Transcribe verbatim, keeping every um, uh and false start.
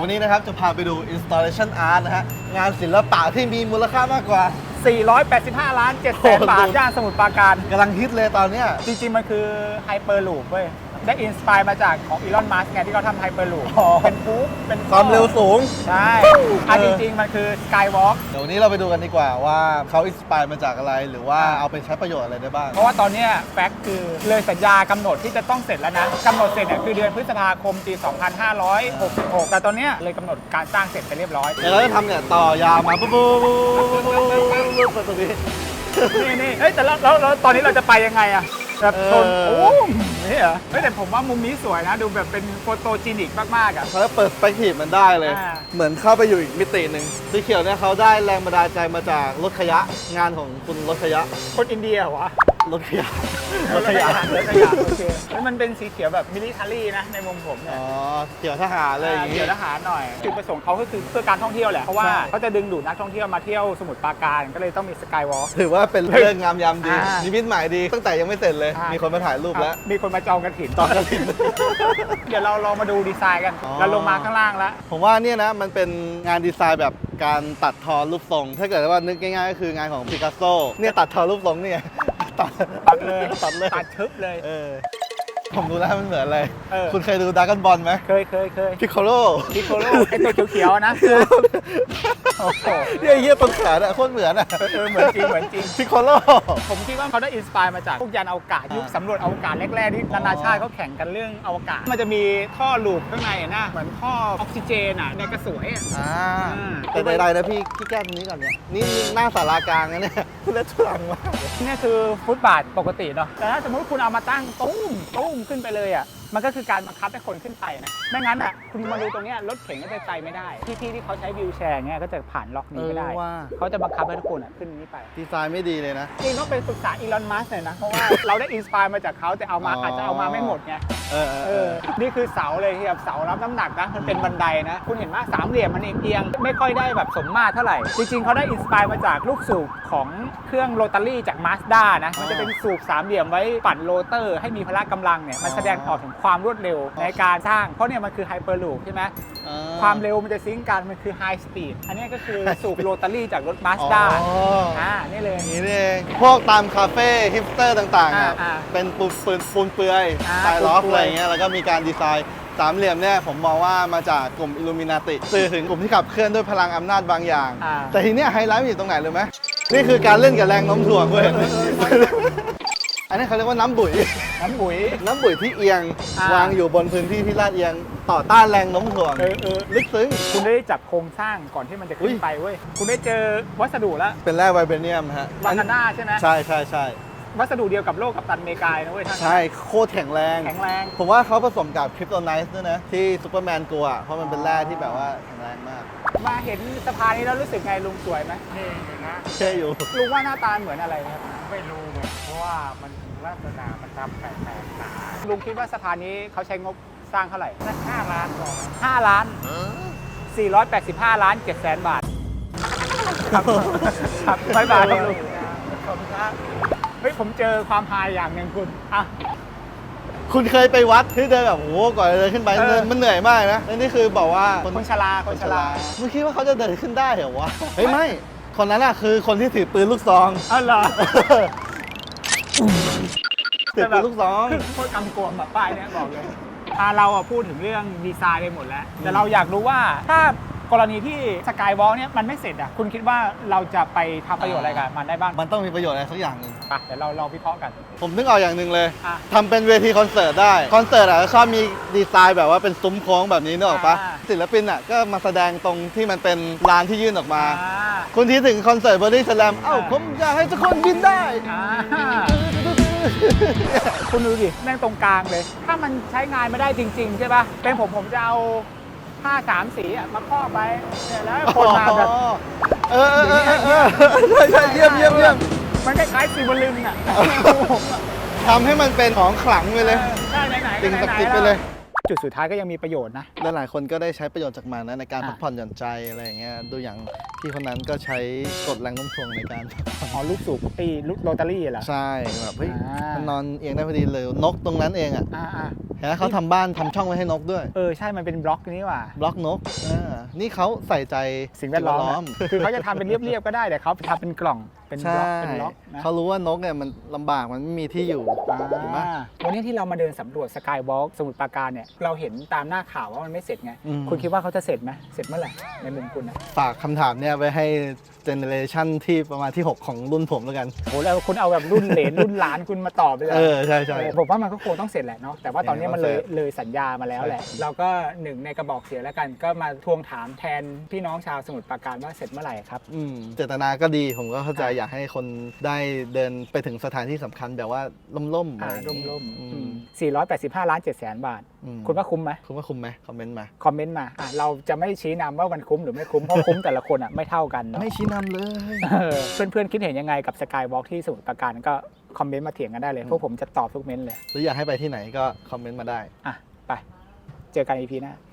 วันนี้นะครับจะพาไปดู installation art นะฮะงานศิลปะที่มีมูลค่ามากกว่าสี่ร้อยแปดสิบห้าล้านเจ็ดแสนบาทย่านสมุทรปราการกำลังฮิตเลยตอนเนี้ยจริงๆมันคือไฮเปอร์ลูปเว้ยได้อินสปายมาจากของอีลอนมัสก์ไงที่เขาทำไฮเปอร์ลูปเป็นฟู๊เป็นความเร็วสูงใช่อ่ะจริงๆมันคือสกายวอล์กเดี๋ยววันนี้เราไปดูกันดีกว่าว่าเขาอินสปายมาจากอะไรหรือว่าเอาไปใช้ประโยชน์อะไรได้บ้างเพราะว่าตอนนี้แฟกต์คือเลยสัญญากำหนดที่จะต้องเสร็จแล้วนะกำหนดเสร็จเนี่ยคือเดือนพฤษภาคมปีสองพันห้าร้อยหกสิบหกแต่ตอนนี้เลยกำหนดการสร้างเสร็จไปเรียบร้อยเดี๋ยวเราจะทำเนี่ยต่อยาวมาปุ๊บปุ๊บปุ๊บปุ๊บปุ๊บปุ๊บตรงนี้นี่นี่เฮ้ยแต่แล้วแล้วตอนนี้เราจะไปยังไงอะแบบชนโอ้นี่เหรอเฮ้ยแต่ผมว่ามุมนี้สวยนะดูแบบเป็นโฟโตจีนิกมากๆอ่ะเขาจะเปิดสเปกทีฟมันได้เลยเหมือนเข้าไปอยู่อีกมิติหนึ่งสีเขียวเนี่ยเขาได้แรงบันดาลใจมาจากรถขยะงานของคุณรถขยะคนอินเดียเหรอวะรถขยะรถขยะรถขยะโอเคแล้วมันเป็นสีเขียวแบบมิลิเทอรี่นะในมุมผมเนี่ยอ๋อเขียวทหารเลยอย่างงี้เขียวทหารหน่อยจุดประสงค์เขาก็คือเพื่อการท่องเที่ยวแหละเพราะว่าเขาจะดึงดูดนักท่องเที่ยวมาเที่ยวสมุทรปราการก็เลยต้องมีสกายวอล์กถือว่าเป็นเรื่องงามยามดีนิมิตหมายดีตั้งแต่ยังไม่เสร็จเลยมีคนมาถ่ายรูปแล้วมีคนมาจองกระถิ่นจองกระถิ่นเดี๋ยวเราลองมาดูดีไซน์กันเราลงมาข้างล่างแล้วผมว่าเนี่ยนะมันเป็นงานดีไซน์แบบการตัดทอรูปทรงถ้าเกิดว่านึกง่ายๆก็คืองานของปิกัสโซเนี่ยตัดทอรูปทรงเนี่ยตัดตัดเลยตัดเลยตัดชึบเลยเออผมดูแล้วมันเหมือนอะไรคุณเคยดูดราก้อนบอลไหมเคยเคยเคยพิคโคโลพิคโคโลไอตัวเขียวๆนะโอ้โหเนี่ยเยี่ยต้นขาเนี่ยโคตรเหมือนอ่ะเออเหมือนจริงเหมือนจริงพิคโคโลผมคิดว่าเขาได้อินสปายมาจากพวกยานอวกาศยุคสำรวจอวกาศแรกๆที่นานาชาติเขาแข่งกันเรื่องอวกาศมันจะมีท่อลูปข้างในนะเหมือนท่อออกซิเจนอ่ะในกระสวยอ่าแต่ใดๆนะพี่พี่แก้ตรงนี้ก่อนเนี่ยนี่หน้าศาลากลางนะเนี่ยเลือดทุลังมากนี่คือฟุตบาทปกติเนาะแต่ถ้าสมมติคุณเอามาตั้งตุ้มตุ้มขึ้นไปเลยอ่ะมันก็คือการบังคับให้คนขึ้นไปนะไม่งั้นอ่ะคุณมาดูตรงนี้รถเข็นก็จะไปไม่ได้พี่ๆที่เขาใช้วิวแชร์เนี่ยก็จะผ่านล็อกนี้ไม่ได้เขาจะบังคับให้ทุกคนอ่ะขึ้นนี้ไปดีไซน์ไม่ดีเลยนะจริงต้องเป็นปรึกษาอีลอนมัสก์หน่อยนะเพราะว่าเราได้อินสปายมาจากเขาแต่เอามาอาจจะเอามาไม่หมดไงเออเออนี่คือเสาเลยที่แบบเสารับน้ำหนักนะมันเป็นบันไดนะคุณเห็นไหมสามเหลี่ยมมันเอียงๆไม่ค่อยได้แบบสมมาตรเท่าไหร่จริงๆเขาได้อินสปายมาจากลูกสูบของเครื่องโรตารี่จากมาสด้านะมันจะเป็นสูบสามเหลี่ยมไว้ปั่นโรเตอร์ให้มีพละกำลังเนี่ยมันแสดงออกถึงความรวดเร็วในการสร้างเพราะเนี่ยมันคือไฮเปอร์ลูปใช่ไหมความเร็วมันจะซิงกันมันคือไฮสปีดอันนี้ก็คือสูบโรตารี่จากรถมาสด้าอ่านี่เลยนี่เองพวกตามคาเฟ่ฮิปสเตอร์ต่างๆเป็นปูนปืนปูนเปือยสไตล์ล็อกอะไรเงี้ยแล้วก็มีการดีไซน์สามเหลี่ยมเนี่ยผมมองว่ามาจากกลุ่มอิลูมินาติสื่อถึงกลุ่มที่ขับเคลื่อนด้วยพลังอำนาจบางอย่างแต่ทีเนี้ยไฮไลท์มันอยู่ตรงไหนรู้ไหมนี่คือการเล่นกับแรงโน้มถ่วงเว้ยอันนี้เขาเรียกว่าน้ำบุ๋ยน้ำบุ๋ยน้ำบุ๋ยที่เอียงวางอยู่บนพื้นที่ที่ลาดเอียงต่อต้านแรงโน้มถ่วงลึกซึ้งคุณได้จับโครงสร้างก่อนที่มันจะขึ้นไปเว้ยคุณได้เจอวัสดุแล้วเป็นแร่ไวเบเนียมฮะวานาน่าใช่ไหมใช่ใช่ใช่วัสดุเดียวกับโลกกัปตันอเมริกานะเว้ยท่านใช่โคตรแข็งแรงแข็งแรงผมว่าเขาผสมกับคริปโตไนท์ด้วยนะที่ซูเปอร์แมนกลัวเพราะมันเป็นแร่ที่แบบว่าแข็งแรงมากมาเห็นสะพานนี้แล้วรู้สึกไงลุงสวยไหมเท่เลยนะเท่อยู่ลุงว่าหน้าตาเหมือนอะไรครับไม่รู้เหมือนเพราะว่ามันลักษณะมันทำแปลกๆนะลุงคิดว่าสะพานนี้เขาใช้งบสร้างเท่าไหร่สักห้าล้านก่อนห้าล้านสี่ร้อยแปดสิบห้าล้านเจ็ดแสนบาทครับครับบายบายครับลุงขอบคุณครับเฮ้ยผมเจอความฮาอย่างหนึ่งคุณอ่ะคุณเคยไปวัดที่เดินแบบโอ้ก่อนจะเดินขึ้นไปมันเหนื่อยมากนะแล้วนี่คือบอกว่าคนชราคนชรามึงคิดว่าเขาจะเดินขึ้นได้เหรอวะเฮ้ยไม่คนนั้นอะคือคนที่ถือปืนลูกซองอ๋อเหรอถือปืนลูกซองโคตรกำกวมแบบป้ายเนี่ยบอกเลยเราอะพูดถึงเรื่องดีไซน์ไปหมดแล้วแต่เราอยากรู้ว่าถ้ากรณีที่สกายวอล์กเนี่ยมันไม่เสร็จอ่ะคุณคิดว่าเราจะไปทำประโยชน์อะไรกับมันได้บ้างมันต้องมีประโยชน์อะไรสักอย่างหนึ่งไปเดี๋ยวเราลองวิเคราะห์กันผมนึกออกอย่างหนึ่งเลยทำเป็นเวทีคอนเสิร์ตได้คอนเสิร์ตอ่ะชอบมีดีไซน์แบบว่าเป็นซุ้มโค้งแบบนี้นึกออกปะศิลปินอ่ะก็มาแสดงตรงที่มันเป็นลานที่ยื่นออกมาคุณที่ถึงคอนเสิร์ตบอดี้สแลมเอ้าผมอยากให้ทุกคนบินได้คุณดูดิแม่งตรงกลางเลยถ้ามันใช้งานไม่ได้จริงๆใช่ป่ะเป็นผมผมจะเอาผ้าสามสีอ่ะมาครอบไปเนี่ยแล้วคนมาแบบเออเออเออเออใช่ใช่เยี่ยมเยี่ยมเยี่ยมมันคล้ายๆซีบอลลินอ่ะทำให้มันเป็นของขลังไปเลยใช่ไหนๆติ่งศักดิ์สิทธิ์ไปเลยจุดสุดท้ายก็ยังมีประโยชน์นะและหลายคนก็ได้ใช้ประโยชน์จากมันนะในการพักผ่อนหย่อนใจอะไรอย่างเงี้ยดูอย่างพี่คนนั้นก็ใช้กดแรงโน้มถ่วงในการอ๋อลูกสูบตีลูกโรตารี่เหรอใช่แบบเฮ้ยมันนอนเอียงได้พอดีเลยนกตรงนั้นเองอ่ะเห็นไหมเขาทำบ้านทำช่องไว้ให้นกด้วยเออใช่มันเป็นบล็อกนี่หว่าบล็อกนกอ่านี่เขาใส่ใจสิ่งแวดล้อมนะคือเขาจะทำเป็นเรียบๆก็ได้แต่เขาทำเป็นกล่องเป็นบใช่ล็อกเป็นบล็อกนะเขารู้ว่านกเนี่ยมันลำบากมันไม่มีที่อยู่ถูกไหมอ่าวันนี้ที่เรามาเดินสำรวจสกายวอล์กสมุทรปราการเนี่ยเราเห็นตามหน้าข่าวว่ามันไม่เสร็จไงอืมคุณคิดว่าเขาจะเสร็จไหมเสร็จเมื่อไหร่ในมุมคุณนะฝากคำถามเนี่ยไว้ให้เจเนเรชันที่ประมาณที่ หก ของรุ่นผมแล้วกันโอ้แล้วคุณเอาแบบรุ่นเหลน รุ่นหลานคุณมาตอบเลยหรเออ ใช่ใช่ผมว่ามันก็คงต้องเสร็จแหละเนาะแต่ว่าตอนนี้มันเลยเสร็จเลยสัญญามาแล้วแหละ เราก็หนึ่งในกระบอกเสียงแล้วกัน ก็มาทวงถามแทนพี่น้องชาวสมุทรปราการว่าเสร็จเมื่อไหร่ครับอืมเจตนาก็ดีผมก็เข้าใจอ่ะอยากให้คนได้เดินไปถึงสถานที่สำคัญแบบว่าล่มๆอ่าอะไรอย่างร่งี้มอืๆอืมมสี่ร้อยแปดสิบห้าล้านเจ็ดแสนบาทอืมคุณว่าคุ้มไหมคุณว่าคุ้มไหมคอมเมนต์มาคอมเมนต์มาอ่ะเราจะไม่ชี้นำว่ามันคุ้มหรือไม่คุ้ม เพราะคุ้มแต่ละคนอ่ะไม่เท่ากันเนาะไม่ชี้นำเลยเออเพื่อนๆคิดเห็นยังไงกับสกายวอล์กที่สมุทรปราการก็คอมเมนต์มาเถียงกันได้เลย พวกผมจะตอบทุกเมนต์เลยหรืออยากให้ไปที่ไหนก็คอมเมนต์มาได้อ่ะ ไป เจอกัน อี พี หน้า